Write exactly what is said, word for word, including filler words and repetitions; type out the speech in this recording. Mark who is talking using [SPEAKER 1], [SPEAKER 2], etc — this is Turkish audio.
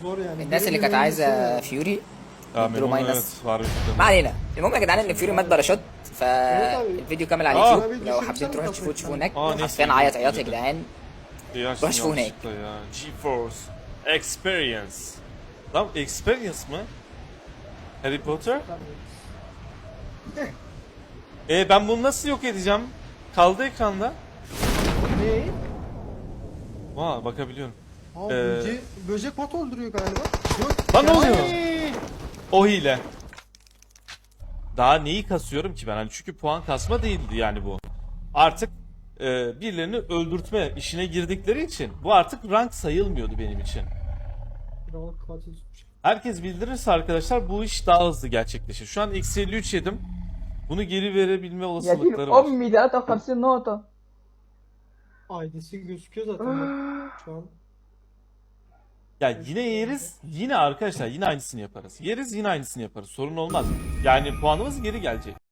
[SPEAKER 1] zor yani.
[SPEAKER 2] الناس اللي كانت عايزه فيوري
[SPEAKER 3] اه
[SPEAKER 2] ادوا
[SPEAKER 3] منهم
[SPEAKER 2] ماينس.
[SPEAKER 3] evet var bir
[SPEAKER 2] ما علينا. المهم يا جدعان ان فيوري مات باراشوت، فالفيديو كامل على
[SPEAKER 3] آه.
[SPEAKER 2] اليوتيوب لو حابين تروحوا تشوفوه تشوفوه هناك.
[SPEAKER 3] آه، نسي.
[SPEAKER 2] حرفيا عيط عياط يا جدعان.
[SPEAKER 3] Yaş
[SPEAKER 2] Baş bu ne?
[SPEAKER 3] yanlışlıkla ya. GeForce Experience. Lan Experience mı? Harry Potter? E ben bunu nasıl yok edeceğim? Kaldı ekranda.
[SPEAKER 1] Ne?
[SPEAKER 3] Vaa bakabiliyorum.
[SPEAKER 1] Aa,
[SPEAKER 3] Ee,
[SPEAKER 1] böce, böcek bot öldürüyor galiba. Yok.
[SPEAKER 3] Lan ne oluyor?
[SPEAKER 1] Ay!
[SPEAKER 3] O hile. Daha neyi kasıyorum ki ben? Hani çünkü puan kasma değildi yani bu. Artık e, birilerini öldürtme işine girdikleri için bu artık rank sayılmıyordu benim için.
[SPEAKER 1] Kiralık katil tutmuş.
[SPEAKER 3] Herkes bildirirse arkadaşlar bu iş daha hızlı gerçekleşir. Şu an eksi elli üç yedim. Bunu geri verebilme
[SPEAKER 4] يا دين
[SPEAKER 3] olasılıkları var.
[SPEAKER 4] امي ثلاثة وخمسين نقطة.
[SPEAKER 1] I D'si gözüküyor zaten bak şu an.
[SPEAKER 3] Ya yine yeriz, yine arkadaşlar yine aynısını yaparız. Yeriz yine aynısını yaparız. Sorun olmaz. Yani puanımız geri gelecek.